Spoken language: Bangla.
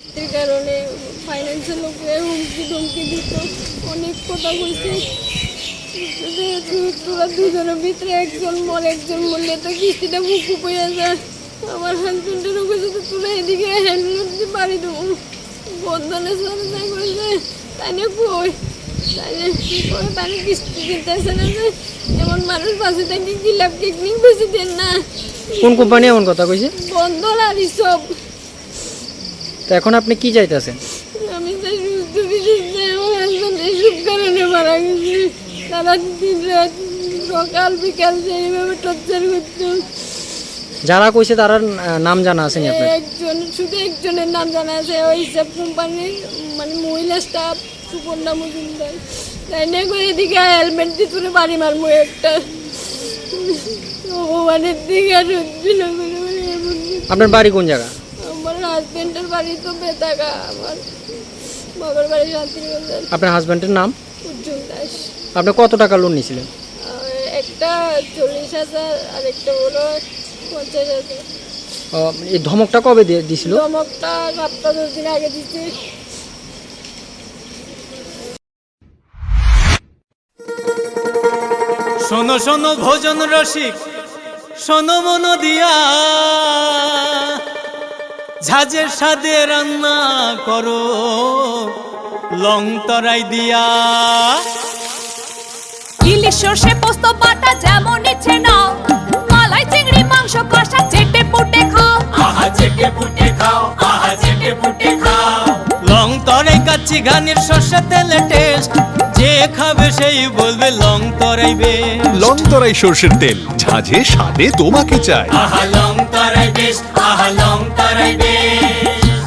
এর কারণে ফাইন্যান্সের লোকে হুমকি ধমকি দিত, অনেক কথা কইছে। তোরা দুজনের ভিতরে একজন মরলে তো কিস্তিটা মুখ হয়ে যায়। আমার হাজবেন্ডেরও কাছে তো তোরা এদিকে হ্যান্ডেল দিতে পারি দেবো বন্ধনের সাথে তাই করেছে, তাই না কই তাই কিস্তি দিতেছে না। যে এমন মানুষ বাসে তাকে গিলাপ টেকনিক বেশি দেন না। কোন কোম্পানি এমন কথা কইছে? বন্ধন আর সব। তো এখন আপনি কি চাইতেছেন? আমি তাই সুস্থ বিশেষ আমার হাজবেন্ড এইসব কারণে মারা গেছে। তারা দিন রাত সকাল বিকাল এইভাবে টর্চার করতো। যারা কইছে তার নাম জানা আছে নি আপনার? শুধু একজনের নাম জানা আছে, ওই হিসাব কোম্পানির মানে মহিলা স্টাফ সুপর্ণা মজুমদার। তাই না করে এদিকে হেলমেট দিয়ে তুলে বাড়ি মারবো একটা ভগবানের দিকে আর আপনার বাড়ি কোন জায়গা? আমার হাজবেন্ডের বাড়ি তো বেতাগা, আমার বাবার বাড়ি শান্তিনিকেতন। আপনার হাজবেন্ডের নাম? উজ্জ্বল দাস। আপনি কত টাকা লোন নিয়েছিলেন? একটা 40,000 আর একটা হলো 50,000। এই ধমকটা কবে দিয়েছিল? ধমকটা সপ্তাহ 10 দিন আগে দিচ্ছে। শোনো শোনো ভোজন রসিক, শোনো মন দিয়া, ঝাঁঝের স্বাদে রান্না করো লং তরাই দিয়া। ইলিশ সর্ষে পোস্ত বাটা যেমন ইচ্ছে নাও, মালাই চিংড়ি মাংস কষা চেটে পুটে খাও, আহা চেটে পুটে খাও, আহা চেটে পুটে খাও। লং তরাই কাচ্চি ঘানির সর্ষে তেলে টেস্ট, যে খাবে সেই বলবে লং তরাই বেশ। লং তরাই সরষের তেল, ঝাঁঝে স্বাদে তোমাকে চাই। আহা লং তরাই বেশ, আহা লং তরাই বেশ।